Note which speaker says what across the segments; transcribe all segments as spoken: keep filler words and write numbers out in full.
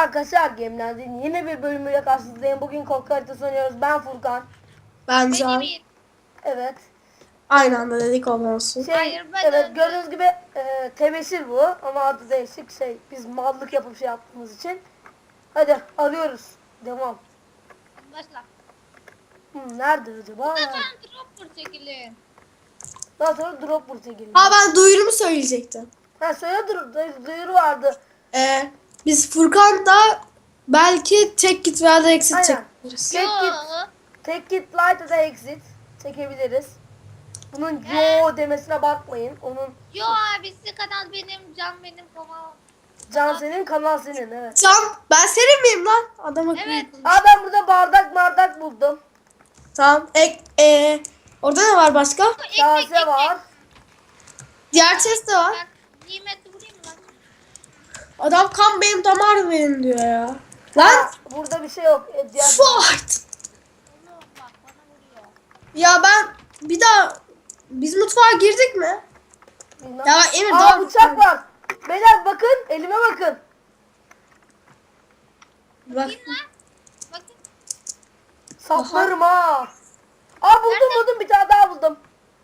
Speaker 1: arkadaşlar, Gemlendi'nin yeni bir bölümüyle karşınızdayım. Bugün korku haritası oynuyoruz. Ben Furkan.
Speaker 2: Ben
Speaker 3: Ben
Speaker 2: Can.
Speaker 3: Emir.
Speaker 1: Evet.
Speaker 2: Aynı anda dedik olma olsun.
Speaker 1: Şey,
Speaker 3: Hayır, ben
Speaker 1: evet
Speaker 3: öldüm.
Speaker 1: gördüğünüz gibi e, tebeşir bu ama adı değişik. Şey, biz mallık yapıp şey yaptığımız için. Hadi arıyoruz. Devam.
Speaker 3: Başla.
Speaker 1: Hmm, nerede acaba?
Speaker 3: Bu
Speaker 1: Nerede?
Speaker 3: sefer dropper çekilin.
Speaker 1: Daha sonra drop buraya geliyor.
Speaker 2: Ha ben duyurumu söyleyecektim.
Speaker 1: Ha söyle, dur, dur- duyuru vardı.
Speaker 2: Ee, biz Furkan'da belki tek git veya da exit
Speaker 1: Aynen.
Speaker 2: çekeriz.
Speaker 1: Tek
Speaker 3: Yo.
Speaker 1: git. Take it light ya da exit çekebiliriz. Bunun
Speaker 3: Ee?
Speaker 1: yo demesine bakmayın. Onun
Speaker 3: Yo abisi kanal benim, can benim kanal.
Speaker 1: can senin, kanal senin, evet.
Speaker 2: Can ben senin miyim lan? Adam akıllı.
Speaker 3: Evet.
Speaker 1: Aa, ben burada bardak bardak buldum.
Speaker 2: Tamam. Ek, ee, orada ne var başka?
Speaker 3: Ekmek
Speaker 1: Kase
Speaker 3: ekmek.
Speaker 1: var.
Speaker 2: Diğer chest de var.
Speaker 3: Ben nimetli vurayım mı?
Speaker 2: Adam kan benim damar benim diyor ya.
Speaker 1: Ha,
Speaker 2: Lan
Speaker 1: burada bir şey yok. E, diğer...
Speaker 2: fight.
Speaker 3: Oğlum bak bana vuruyor.
Speaker 2: Ya ben bir daha biz mutfağa girdik mi?
Speaker 1: Bilmem.
Speaker 2: Ya bak Emir
Speaker 1: Aa,
Speaker 2: daha
Speaker 1: bıçak var. Beyler bakın, elime bakın.
Speaker 2: Bak.
Speaker 3: Kim lan? Bakın.
Speaker 1: Saplarım ha. Aa, buldum buldum, bir tane daha buldum.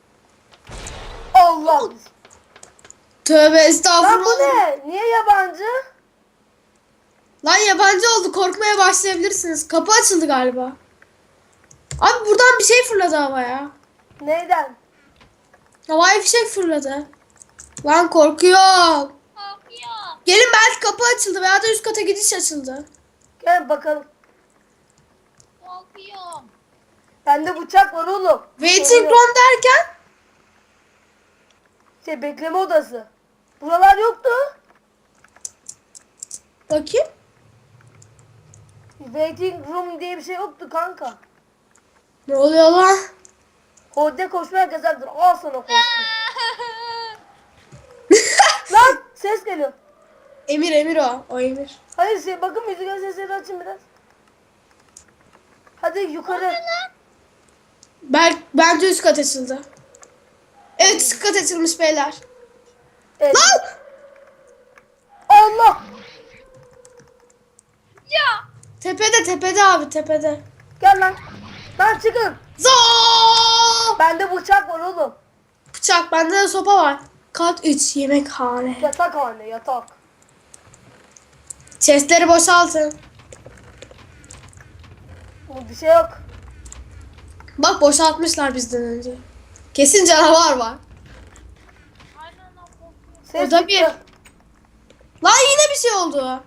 Speaker 1: Allah.
Speaker 2: Tövbe
Speaker 1: Lan bu
Speaker 2: estağfurullah.
Speaker 1: ne? Niye yabancı?
Speaker 2: Lan yabancı oldu. Korkmaya başlayabilirsiniz. Kapı açıldı galiba. Abi buradan bir şey fırladı havaya.
Speaker 1: Neyden?
Speaker 2: Havaya fişek fırladı. Lan korkuyorum.
Speaker 3: Korkuyor.
Speaker 2: Gelin belki kapı açıldı veya da üst kata gidiş açıldı.
Speaker 1: Gel bakalım.
Speaker 3: Korkuyorum.
Speaker 1: Bende bıçak var oğlum.
Speaker 2: Waiting
Speaker 1: Sorun yok.
Speaker 2: room derken?
Speaker 1: Şey, bekleme odası. Buralar yoktu.
Speaker 2: Bakayım.
Speaker 1: Waiting room diye bir şey yoktu kanka.
Speaker 2: Ne oluyor lan?
Speaker 1: Hodde koşmaya yasaktır. Al sana koşma. Lan ses geliyor.
Speaker 2: Emir Emir o. O Emir.
Speaker 1: Hayır şey, bakın müzik sesleri açın biraz. Hadi yukarı.
Speaker 2: Bel bence üst kat açıldı. Evet üst kat açılmış beyler.
Speaker 1: Evet.
Speaker 2: Lan!
Speaker 1: Allah.
Speaker 3: Ya.
Speaker 2: Tepede tepede abi tepede.
Speaker 1: Gel lan. Lan çıkın.
Speaker 2: Zaa!
Speaker 1: Bende bıçak var oğlum.
Speaker 2: Bıçak bende de sopa var. Kat üç yemekhane.
Speaker 1: Yatak hane, yatak.
Speaker 2: Chestleri boşaltın.
Speaker 1: Bu bir şey yok.
Speaker 2: Bak boşaltmışlar bizden önce. Kesin canavar var.
Speaker 3: Aynen lan korkuyorum.
Speaker 1: Ses
Speaker 2: O da
Speaker 1: çıktı.
Speaker 2: bir. Lan yine bir şey oldu.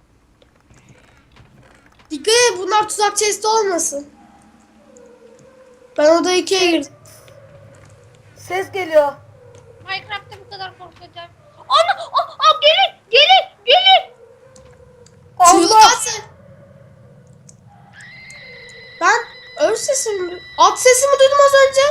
Speaker 2: Dikkat et bunlar tuzak chest olmasın. Ben odaya ikiye girdim.
Speaker 1: Ses geliyor.
Speaker 3: Minecraft'ta bu kadar korkacağım. Ana! Aa, aa, gelin! Gelin! Gelin!
Speaker 2: Çığlık
Speaker 1: Allah.
Speaker 2: atın. Ben öl sesimi, at sesimi duydum az önce.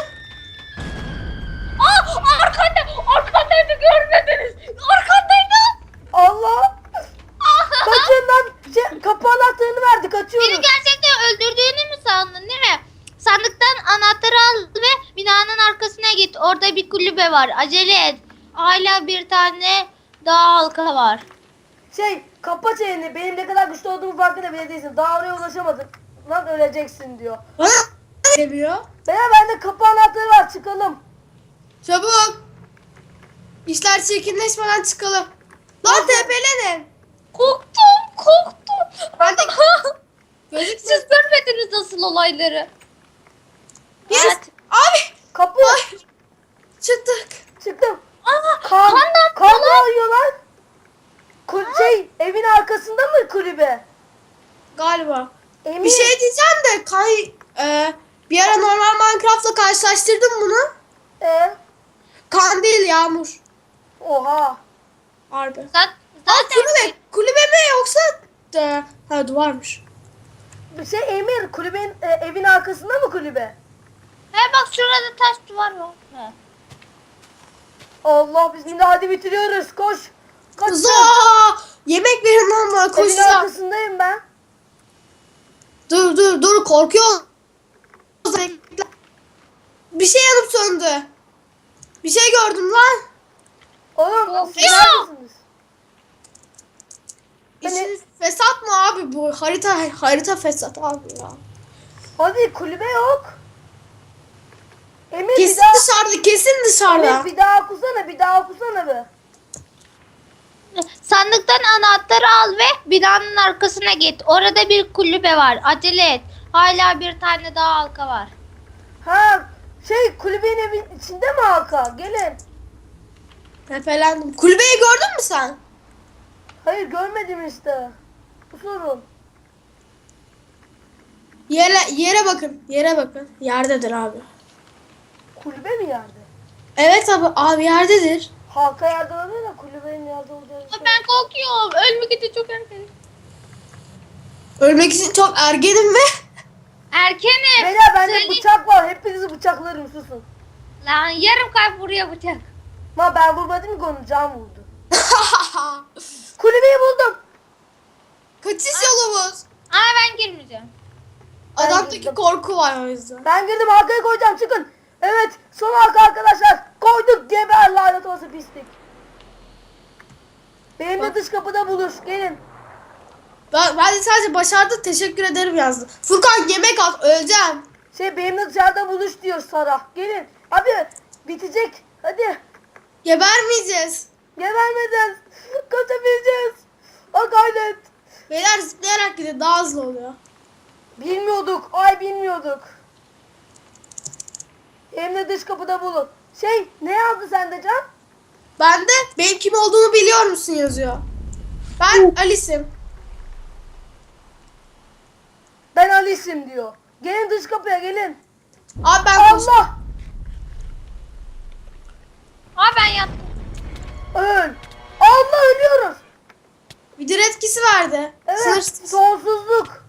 Speaker 3: Aa! Arkanda! Arkandaydı görmediniz! Arkandaydı!
Speaker 1: Allah. Kaçın lan. Şey, kapı anahtarını verdi.
Speaker 3: Beni
Speaker 1: Kaçıyoruz.
Speaker 3: gerçekten öldürdüğünü mü sandın değil mi? Sandıktan anahtarı al ve binanın arkasına git. Orada bir kulübe var. Acele et. Hala bir tane daha halka var.
Speaker 1: Şey, kapa çeneni. Benim ne kadar güçlü olduğumu farkında bile değilsin. Daha oraya ulaşamadık. Lan öleceksin diyor.
Speaker 2: Bana demiyor.
Speaker 1: Beyler, bende kapı anahtarı var. Çıkalım.
Speaker 2: Çabuk. İşler çirkinleşmeden çıkalım. Lan tepelenin.
Speaker 3: Korktum, korktum.
Speaker 2: Ben de gözükmüyor.
Speaker 3: Siz görmediniz nasıl olayları.
Speaker 2: Yes.
Speaker 3: Evet.
Speaker 2: Abi.
Speaker 1: Kapı.
Speaker 2: Ay. Çıktık.
Speaker 1: Çıktım.
Speaker 3: Aa,
Speaker 1: Kan,
Speaker 3: kan
Speaker 1: kan ağlıyorlar. Kul şey, evin arkasında mı kulübe?
Speaker 2: Galiba.
Speaker 1: Emin.
Speaker 2: Bir şey diyeceğim de kay e, bir ara normal Minecraft'la karşılaştırdım bunu.
Speaker 1: Ee,
Speaker 2: Kan değil yağmur.
Speaker 1: oha.
Speaker 2: Harbi.
Speaker 3: Zaten,
Speaker 2: Aa,
Speaker 3: zaten
Speaker 2: kulübe. Kulübe mi yoksa e, ha duvarmış.
Speaker 1: Bir şey, Emir, kulübenin e, evin arkasında mı kulübe?
Speaker 3: he bak şurada taş duvar var. He.
Speaker 1: Allah bismillah, hadi bitiriyoruz. Koş. Kaç.
Speaker 2: Za! Yemek verin lan bana
Speaker 1: Evin
Speaker 2: koşacağım.
Speaker 1: arkasındayım ben.
Speaker 2: Dur dur dur korkuyorum. Bekle. Bir şey yanıp söndü. Bir şey gördüm lan.
Speaker 1: Oğlum siz
Speaker 3: Ya.
Speaker 1: neredesiniz? Ben,
Speaker 2: İçiniz- Fesat mı abi bu? Harita harita fesat abi ya.
Speaker 1: Hadi kulübe yok. Emir bir
Speaker 2: Kesin
Speaker 1: daha,
Speaker 2: dışarıda, kesin dışarıda.
Speaker 1: Emir bir daha okusana, bir daha okusana be.
Speaker 3: Sandıktan anahtarı al ve binanın arkasına git. Orada bir kulübe var. Acele et. Hala bir tane daha halka var.
Speaker 1: Ha şey kulübenin evin içinde mi halka? Gelin.
Speaker 2: Tepelendim. Kulübeyi gördün mü sen?
Speaker 1: Hayır görmedim işte. Bu sorun.
Speaker 2: Yere yere bakın. Yere bakın. Yerdedir abi.
Speaker 1: Kulübe mi yerde?
Speaker 2: Evet abi, abi yerdedir.
Speaker 1: Halka yerde olabilir de kulübenin yerde olacağı bir şey.
Speaker 3: Ben korkuyorum. Ölmek için çok erken.
Speaker 2: Ölmek için çok ergenim ve
Speaker 3: Erkenim.
Speaker 1: Beyler bende
Speaker 3: Söyle-
Speaker 1: bıçak var. Hepinizi bıçaklarım susun.
Speaker 3: Lan yarım kalp vuruyor bıçak.
Speaker 1: Ma ben vurmadım ki onu can vurdu. Kulübeyi buldum.
Speaker 2: kaçış yolumuz.
Speaker 3: Ama ben girmeyeceğim.
Speaker 1: Ben
Speaker 2: Adamdaki
Speaker 1: girdim.
Speaker 2: korku var o yüzden.
Speaker 1: Ben girdim halkaya koyacağım çıkın. Evet son halka arkadaşlar. Koyduk geber lanet olası pislik. Benim de
Speaker 2: Bak.
Speaker 1: dış kapıda buluş. Gelin.
Speaker 2: Ben, ben de sadece başardı, teşekkür ederim yazdı. Furkan yemek al, öleceğim.
Speaker 1: Şey benimle dışarıda buluş diyor Sarah. Gelin. Abi bitecek. Hadi.
Speaker 2: Gebermeyeceğiz.
Speaker 1: Gebermeden kaçabileceğiz. O gayret.
Speaker 2: Beyler zıplayarak gidin, daha hızlı oluyor.
Speaker 1: Bilmiyorduk. Ay bilmiyorduk. Hem de dış kapıda bulun. Şey ne yazdı sende Can?
Speaker 2: Ben de benim kim olduğunu biliyor musun yazıyor. Ben Alice'im.
Speaker 1: Ben Alice'im diyor. Gelin dış kapıya gelin.
Speaker 2: Abi ben koş-
Speaker 1: Allah.
Speaker 3: Aa ben yattım.
Speaker 1: Öl. Allah ölüyoruz.
Speaker 2: Bir dir etkisi verdi.
Speaker 1: Evet.
Speaker 2: Sınırsız.
Speaker 1: Sonsuzluk.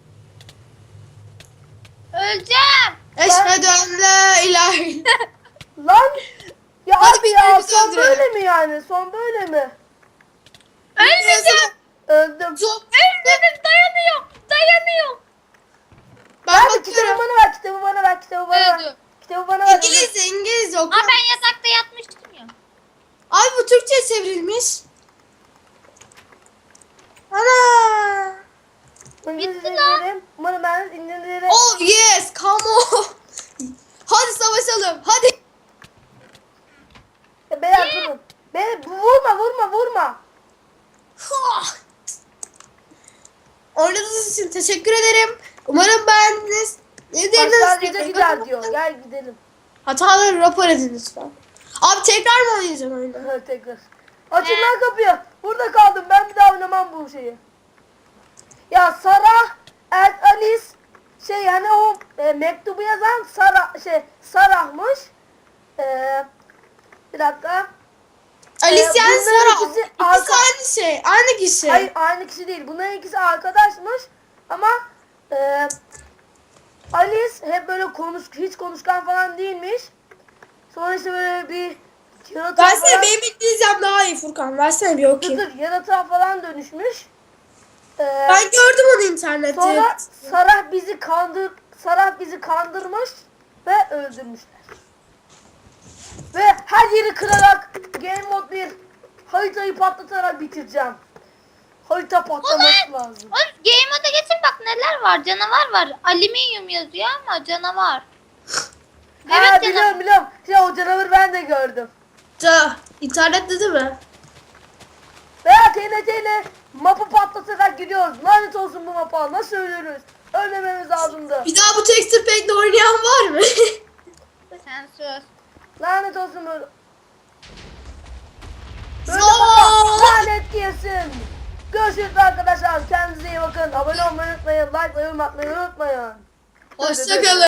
Speaker 3: Öleceğim.
Speaker 2: Eşhedü en la ilahe illallah.
Speaker 1: Lan. Ya
Speaker 2: Hadi
Speaker 1: abi ya
Speaker 2: birbirimizi
Speaker 1: son
Speaker 2: öldürelim.
Speaker 1: böyle mi yani? Son böyle mi?
Speaker 3: Ölmeyeceğim.
Speaker 1: Öldüm.
Speaker 2: Çok.
Speaker 3: Ölmedim dayanıyor. Dayanıyor.
Speaker 2: Ben
Speaker 1: Ver kitabı
Speaker 2: bakıyorum.
Speaker 1: bana ver, kitabı bana ver, kitabı bana ver.
Speaker 3: Öldü.
Speaker 1: Kitabı bana ver.
Speaker 2: İngilizce, İngilizce oku.
Speaker 3: Aa ben yatakta yatmıştım ya.
Speaker 2: Abi bu Türkçe çevrilmiş. Ana.
Speaker 1: İngilizce
Speaker 3: Bitti lan.
Speaker 1: dinlerim. Umarım ben İngilizce.
Speaker 2: Oh yes, come on. Hadi savaşalım. Hadi.
Speaker 1: E, Beyler durun. Beni vurma vurma vurma.
Speaker 2: Hah. Oynadığınız için teşekkür ederim. Umarım beğendiniz.
Speaker 1: Başlangıca
Speaker 2: Ne
Speaker 1: gider diyor. Gel gidelim.
Speaker 2: Hataları rapor edin lütfen. Abi tekrar mı oynayacaksın oyunu?
Speaker 1: Evet, tekrar. Açın lan kapıyı. Burada kaldım. Ben bir daha oynamam bu şeyi. Ya Sarah, El Alice şey hani o e, mektubu yazan Sarah şey Sarah'mış. E, bir dakika.
Speaker 2: Alice
Speaker 1: Ee,
Speaker 2: yani
Speaker 1: bunların
Speaker 2: Sara.
Speaker 1: ikisi
Speaker 2: İkisi
Speaker 1: arka-
Speaker 2: aynı şey. Aynı kişi.
Speaker 1: Hayır aynı kişi değil. Bunların ikisi arkadaşmış ama e, Alice hep böyle konuş hiç konuşkan falan değilmiş. Sonra işte böyle bir yaratığa
Speaker 2: Versene,
Speaker 1: falan,
Speaker 2: benim İngilizcem daha iyi Furkan. Versene bir
Speaker 1: dur,
Speaker 2: okuyayım.
Speaker 1: dur, yaratığa falan dönüşmüş. E,
Speaker 2: Ben gördüm onu internette.
Speaker 1: sonra Sarah bizi kandır Sarah bizi kandırmış ve öldürmüşler. Ve her yeri kırarak Game Mode bir haritayı patlatarak bitireceğim. Harita patlaması lazım.
Speaker 3: Oğlum game moda geçin bak neler var. Canavar var. Alüminyum yazıyor ama canavar.
Speaker 1: Ha
Speaker 3: Evet
Speaker 1: biliyorum
Speaker 3: canavar.
Speaker 1: biliyorum. Ya o canavarı ben de gördüm.
Speaker 2: Ta, internette değil mi?
Speaker 1: Veya T N T ile mapı patlatarak gidiyoruz. Lanet olsun bu mapa. Nasıl ölürüz? Ölmememiz lazımdı.
Speaker 2: Bir daha bu texture pack'le oynayan var mı?
Speaker 3: Sen sus.
Speaker 1: Lanet olsun böyle. Böyle
Speaker 2: Zor.
Speaker 1: mapa lanet yesin. Görüşürüz arkadaşlar. Kendinize iyi bakın. Abone olmayı unutmayın. Like ve yorum atmayı unutmayın.
Speaker 2: Hoşçakalın.